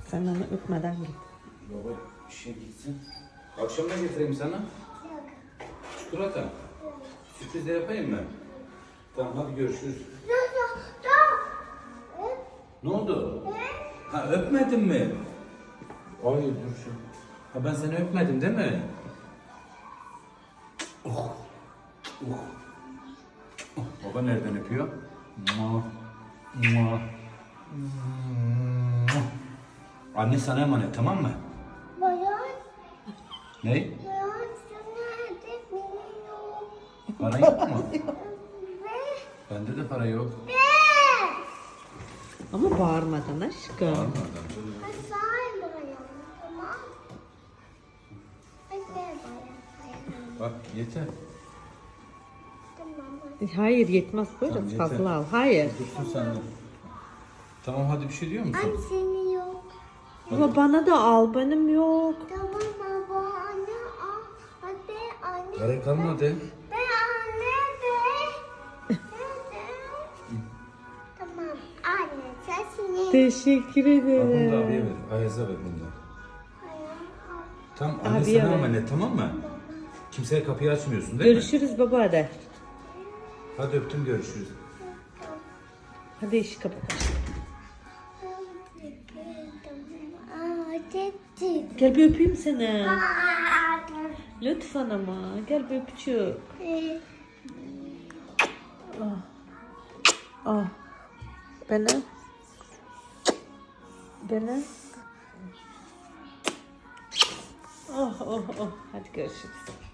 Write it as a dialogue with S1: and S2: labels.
S1: Sen onu öpmeden git.
S2: Baba işe gitsin. Akşam ne getireyim sana?
S3: Yok.
S2: Çikolata. Sürpriz de yapayım mı? Tamam hadi görüşürüz. Ne oldu? Ha öpmedin mi? Ay dur şu. Ha ben seni öpmedim değil mi? Oh. Oh. Oh. Baba nereden öpüyor? Mua. Mua. Mua. Anne sana emanet tamam mı?
S3: Bayan,
S2: Ne?
S3: bayan sana ödek yok.
S2: Para yok mu?
S3: Ve
S2: Bende de para yok.
S1: Ama bağırmadan aşkım.
S2: Almadan.
S3: Say bayan, tamam. Hadi bayan.
S2: Bak yeter.
S3: Tamam.
S1: Hayır yetmez buyurun
S2: Tamam, yeter.
S1: fazla al. Hayır.
S2: Dursun sen de. Tamam hadi bir şey diyor musun?
S3: Anne senin yok.
S1: Ama bana da al benim yok.
S3: Tamam baba anne al. Hadi anne.
S2: Para kalmadı.
S3: Ve anne de. Tamam anne sesini.
S1: Teşekkür
S2: Bak bunu da
S1: ederim.
S2: abiye ver. Ayaz'a ver bunu da. Tamam anne
S1: Abiye
S2: sana
S1: ver.
S2: emanet tamam mı? Kimseye kapıyı açmıyorsun değil mi?
S1: Görüşürüz baba hadi.
S2: Hadi öptüm görüşürüz.
S1: Hadi işi kapat. Gel bir öpeyim seni. Lütfen ama. Gel bir öpücük. Ah. Ah. Bana. Bana. Oh oh oh. Hadi görüşürüz.